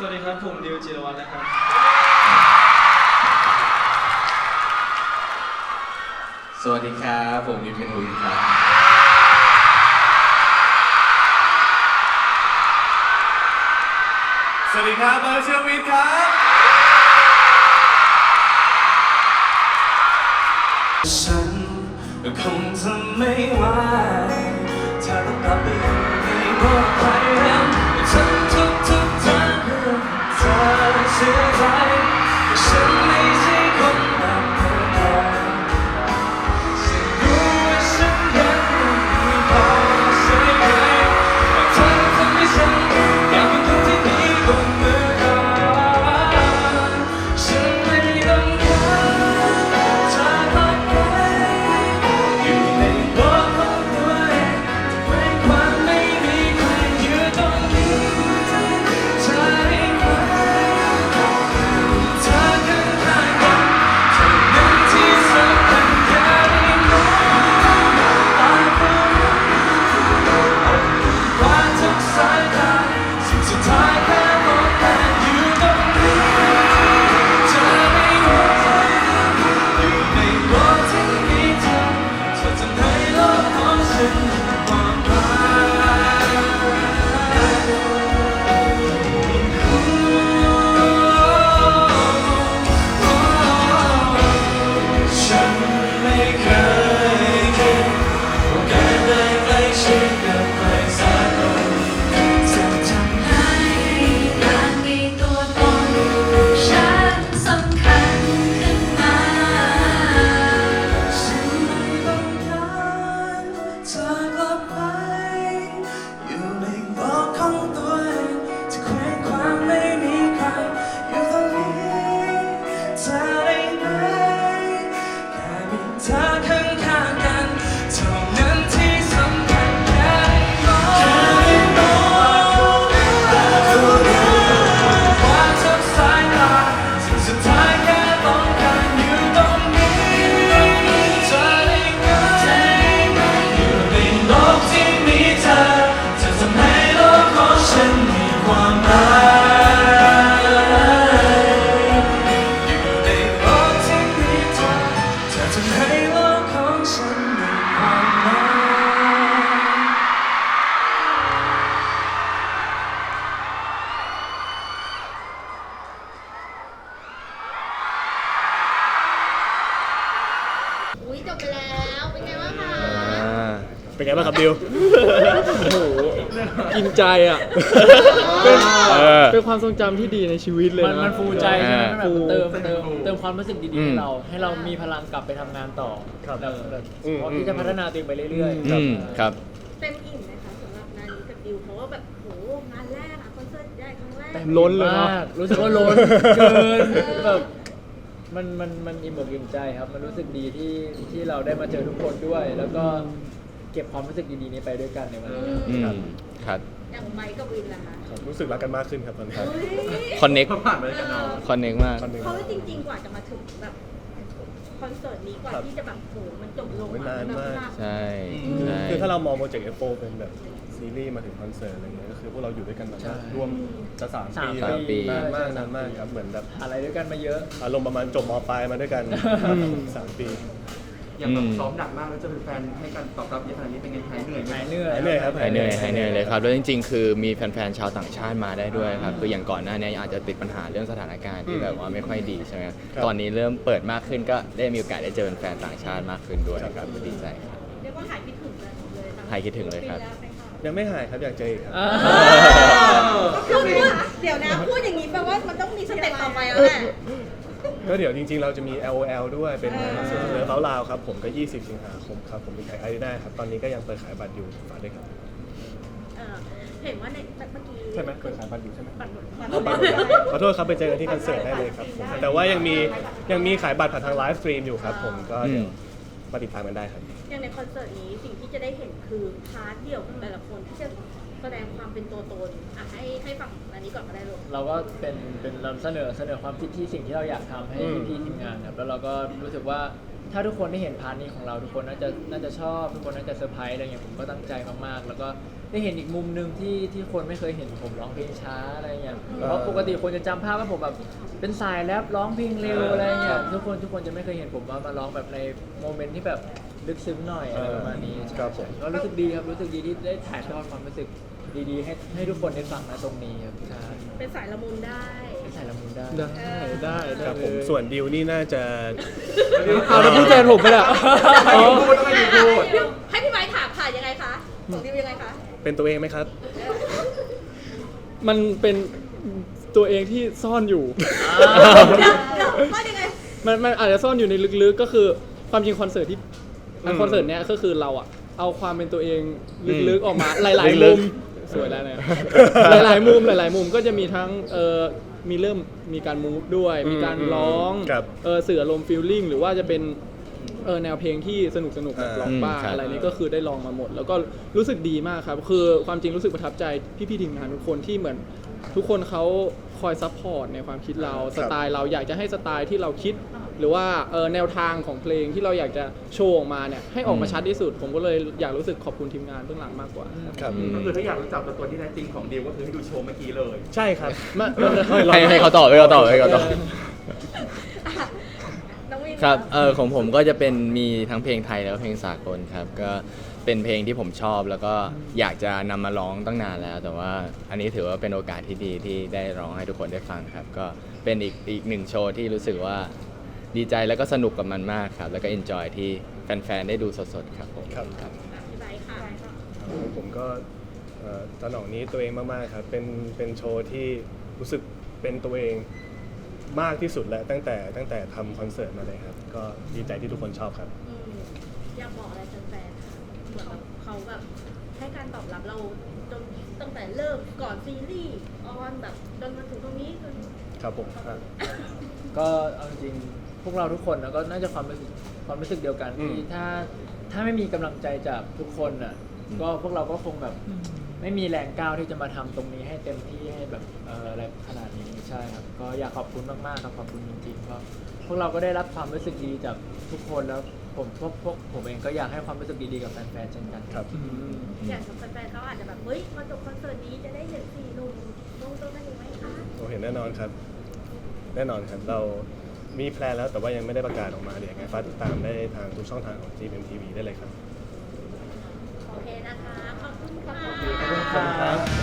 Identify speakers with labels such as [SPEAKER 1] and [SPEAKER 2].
[SPEAKER 1] วัสดีครับผมดิวจิรวัฒน์นะครับ
[SPEAKER 2] สวัสดีครับผมนิวเพนวินครับ
[SPEAKER 3] สวัสดีครับเบอร์เชอร์วินครับฉันคงทำไม่ไหวถ้าต้องกลับไปไม่บอกใครแล้วทำทุกทางเพื่อเธอเสียใจฉันไม่ใช่คนแบบเธอฉันรู้ว่าฉันยังไม่พอใช่ไหมแต่เธอทำให้ฉันอยากเป็นคนที่ดีกว่าเมื่อก่อนฉันไม่ต้องการเธอกลับไปอยู่ในโลกของตัวเองไม่ความไม่มีใครอยู่ตรงนี้เธอได้ไหมเธอข้างๆกันเท่านั้นที่สำคัญอย่าได้มองตาผู้ว่าทุกสายตาสิ่งสุดท้ายแค่มองกันอยู่ตรงนี้เธอได้ไหมอยู่ในโลกที่มีเธอเธอทำให้โลกของฉันมีความหมายฉันไม่เคยคิดว่าการได้ใกล้ชิดกับใครสักคนจะทำให้
[SPEAKER 4] การมีตัวตนฉันสำคัญขึ้นมา
[SPEAKER 3] ฉันไม่ต้องการเธอกลับไปอยู่ในโลกของตัวเองที่เคว้งคว้างไม่มีใครอยู่ตรงนี้เธอได้ไหมแค่มีเธอข้างๆกันเท่านั้นที่สำคัญแค่ได้มองว่าทุกสายตาสิ่งสุดท้ายแค่ต้องการอยู่ตรงนี้เธอได้ไหมอยู่ในโลกที่มีเธอจะทำให้โลกของฉันมีความหมายอยู่ในโลกที่มีเธอจะทำให้โลกของฉันมีความหมาย
[SPEAKER 5] อุ้ยจบไปแล้ว เป็นไงบ้างคะ
[SPEAKER 6] เป็นไงบ้างครับดิว
[SPEAKER 7] กินใจอ่ะ เป็นความทรงจำที่ดีในชีวิตเลยนะ
[SPEAKER 6] มันฟูใจใช่ไหม
[SPEAKER 7] ฟู
[SPEAKER 6] แบบเติมความรู้สึกดีๆให้เรามีพลังกลับไปทำงานต่อแบบพร้อมที่จะพัฒนาตัวเองไปเรื่อยๆ
[SPEAKER 2] ครับ
[SPEAKER 5] เต็มอิ่มไหมคะสำหรับงานนี้กับดิวเพราะว่าแบบโหงานแรกอะคอนเสิร์ตใหญ่ครั้งแรก
[SPEAKER 7] ล้นเลยเนาะ
[SPEAKER 6] มากรู้สึกว่าล้นเกินแบบมันอิ่มอกอิ่มใจครับ มันรู้สึกดีที่เราได้มาเจอทุกคนด้วย แล้วก็เก็บความรู้สึกดีๆนี้ไปด้วยกันในวันนี้
[SPEAKER 2] ครับ
[SPEAKER 5] อย่างไมค์กับวินล่ะคะ
[SPEAKER 3] รู้สึกรักกันมากขึ้นครับตอนนี้
[SPEAKER 5] เฮ้ย
[SPEAKER 2] คอนเน็ก
[SPEAKER 3] ผ่านมาด้วยกันเนาะ
[SPEAKER 2] คอนเน็กมาก
[SPEAKER 5] เพราะว่าจริงๆกว่าจะมาถึงแบบคอนเสิร์ตนี้กว่าที่จะแบบโหมันจบลง
[SPEAKER 3] นานมาก
[SPEAKER 2] ใช่ใช่
[SPEAKER 3] คือถ้าเรามองโปรเจกต์ F4 เป็นแบบซีรีส์มาถึงคอนเสิร์ตอะไรเงี้ยก็คือพวกเราอยู่ด้วยกันมาร่วมจะ3 ปี
[SPEAKER 2] สามปี
[SPEAKER 3] นานมากครับเหมือนแบบ
[SPEAKER 6] อะไรด้วยกันมาเยอะ
[SPEAKER 3] อารมณ์ประมาณจบมปลายมาด้วยกัน3 ปี
[SPEAKER 8] อย่างแบบซ้อมหนักมากแล้วจะเป็นแฟนให้การตอบรับเยอะขนาดนี้เป็นไงหายเหนื่อยไหม
[SPEAKER 6] หายเหนื่อย
[SPEAKER 3] หายเหนื่อยครับ
[SPEAKER 2] หายเหนื่อยเลยครับแล้วจริงๆ คือมีแฟนๆ ชาวต่างชาติมาได้ด้วยครับคืออย่างก่อนหน้านี้อาจจะติดปัญหาเรื่องสถานการณ์ที่แบบว่าไม่ค่อยดีใช่ไหมตอนนี้เริ่มเปิดมากขึ้นก็ได้มีโอกาสได้เจอแฟนๆ ต่างชาติมากขึ้นด้วยครับก็ดีใจครับ
[SPEAKER 5] เรียกว่าหายคิดถึงกันเลยทั้ง
[SPEAKER 2] หายคิดถึงเลยครับ
[SPEAKER 5] ปีแล้วไหมคะ
[SPEAKER 3] ยังไม่หายครับอยากเจออีกครับ
[SPEAKER 5] คือพูดเดี๋ยวนะพูดอย่างนี้แปลว่ามันต้องมีสเต็ปต่อไปแล้วแหละ
[SPEAKER 3] ก็เดี๋ยวจริงๆ เราจะมี LOL ด้วยเป็นคอนเสิร์ตเลิฟลาวครับผมก็20 สิงหาคมครับผมมีขายอารีนาครับตอนนี้ก็ยังเปิดขายบัตรอยู่ฝากด้วยครับ
[SPEAKER 5] เห็นว่าในเมื่อกี้
[SPEAKER 3] ใช่ไหมเปิดขายบัตรอยู่ใช่ไหม
[SPEAKER 5] บัตรหมด
[SPEAKER 3] ขอโทษครับไปเจอกันที่คอนเสิร์ตได้เลยครับผมแต่ว่ายังมีขายบัตรผ่านทางไลฟ์สตรีมอยู่ครับผมก็เดี๋ยวมาติดตามกันได้ครับ
[SPEAKER 5] อย่างในคอนเสิร์ตนี้สิ่งที่จะได้เห็นคือพาร์ทเดี่ยวของแต่ละคนที่จะแสดงความเป็นตัวตนให้ฝั่งอันนี้ก่อนก็ได้ลูก
[SPEAKER 6] เราก็เป็นเราเสนอความคิดที่สิ่งที่เราอยากทำให้พี่ๆทีมงานครับแล้วเราก็รู้สึกว่าถ้าทุกคนได้เห็นพาร์ทนี้ของเราทุกคนน่าจะชอบทุกคนน่าจะเซอร์ไพรส์อะไรอย่างเงี้ยผมก็ตั้งใจมากๆ แล้วก็ได้เห็นอีกมุมหนึ่งที่คนไม่เคยเห็นผมร้องเพลงช้าอะไรเงี้ยเพราะปกติคนจะจำภาพว่าผมแบบเป็นสายแรปร้องเพลงเร็วอะไรเงี้ยทุกคนจะไม่เคยเห็นผมว่ามาร้องแบบในโมเมนต์ที่แบบลึกซึ้งหน่อยอะไรประมาณนี้
[SPEAKER 9] ครับผม
[SPEAKER 6] ก็รู้สึกดีครับรู้สึกดีที่ได้ถ่ายทอดความรู้สึกดีๆให้ทุกคนได้ฟังนะตรงนี้ครับใช่
[SPEAKER 5] เป็นสายละมุนได้
[SPEAKER 6] ได้ถ่ายละมุนได้
[SPEAKER 7] ได้
[SPEAKER 9] ครับผม
[SPEAKER 7] เลย
[SPEAKER 9] ส่วนดิวนี่น่าจะ
[SPEAKER 7] เอาแล้วพี่แจนผมไปละอ๋อ
[SPEAKER 5] ให้พี่ไม้ถามค่ะยังไงคะของดิวยังไงคะ
[SPEAKER 9] เป็นตัวเองไหมครับ
[SPEAKER 7] มันเป็นตัวเองที่ซ่อนอยู่
[SPEAKER 5] เดี๋ยวว่ายังไง
[SPEAKER 7] มันอาจจะซ่อนอยู่ในลึกๆก็คือความจริงคอนเสิร์ตที่คอนเสิร์ตเนี้ยก็คือเราอะเอาความเป็นตัวเองลึกๆออกมาหลายๆมุมสวยแล้วเนี่ยหลายๆมุมก็จะมีทั้งมีการมูฟด้วยมีการร้อง
[SPEAKER 9] ครับ
[SPEAKER 7] สื่ออารมณ์ฟีลลิ่งหรือว่าจะเป็นแนวเพลงที่สนุกแบบร้องบ้า
[SPEAKER 2] ครับ
[SPEAKER 7] อะไรนี้ก็คือได้ลองมาหมด แล้วก็รู้สึกดีมากครับคือความจริงรู้สึกประทับใจพี่ๆทีมงานทุกคนที่เหมือนทุกคนเขาคอยซัพพอร์ตในความคิดเราสไตล์เราอยากจะให้สไตล์ที่เราคิด หรือว่าแนวทางของเพลงที่เราอยากจะโชว์ออกมาเนี่ยให้ออกมาชัดที่สุด ผมก็เลยอยากรู้สึกขอบคุณทีมงานเบื้องหลังมากกว่า
[SPEAKER 9] ครับ
[SPEAKER 8] ก็คือถ้าอยากรู้จักตัวที่แท้จริงของดิวก็คือให้ดูโชว์เมื่อกี้เลย
[SPEAKER 9] ใช่ครับ
[SPEAKER 2] ให้เขาตอบให้เขาตอบ
[SPEAKER 5] น้องวิน
[SPEAKER 2] ครับของผมก็จะเป็นมีทั้งเพลงไทยแล้วก็เพลงสากลครับก็เป็นเพลงที่ผมชอบแล้วก็อยากจะนำมาร้องตั้งนานแล้ว แต่ว่าอันนี้ถือว่าเป็นโอกาสที่ดีที่ได้ร้องให้ทุกคนได้ฟังครับก็เป็นอีกหนึ่งโชว์ที่รู้สึกว่าดีใจแล้วก็สนุกกับมันมากครับแล้วก็เอนจอยที่แฟนๆได้ดูสดๆครับผม
[SPEAKER 9] ครับ
[SPEAKER 5] พี่ไม้ค่ะ
[SPEAKER 9] ผมก็ตอนหนองนี้ตัวเองมากๆครับเป็นโชว์ที่รู้สึกเป็นตัวเองมากที่สุดแล้วตั้งแต่ทำคอนเสิร์ตมาเลยครับก็ดีใจที่ทุกคนชอบครับ
[SPEAKER 5] อยากบอกอะไรแฟนๆคะเหมือนแบบเขาแบบให้การตอบรับเราจนตั้งแต่เริ่มก่อนซีรีส์ออนแบบจนมาถึงตรงนี้จน
[SPEAKER 9] ครับผม
[SPEAKER 6] ก็เอาจริงๆพวกเราทุกคนนะก็น่าจะความรู้สึกเดียวกันที่ถ้าไม่มีกำลังใจจากทุกคนอ่ะก็พวกเราก็คงแบบไม่มีแรงก้าวที่จะมาทำตรงนี้ให้เต็มที่ให้แบบอะไรขนาดนี้ใช่ครับก็อยากขอบคุณมากๆครับขอบคุณจริงๆเพราะพวกเราก็ได้รับความรู้สึกดีจากทุกคนแล้วพวกผมเองก็อยากให้ความรู้สึกดีๆกับแฟนๆเช่นกัน
[SPEAKER 9] ครับ
[SPEAKER 5] อย่างแฟนๆเขาอาจจะแบบเฮ้ยมาจบคอนเสิร์ตนี้จะได้เห็นสี่หนุ่มลงตัวกันอีกไหมคะ
[SPEAKER 9] เราเห็นแน่นอนครับ แน่นอนครับเรามีแพลนแล้วแต่ว่ายังไม่ได้ประกาศออกมาเดี๋ยวยังไงฝากติดตามได้ทางทุกช่องทางของ GMMTV ได้เลยครับ
[SPEAKER 5] โอเคนะคะ ขอบคุณค่ะ
[SPEAKER 6] ขอบคุณครับ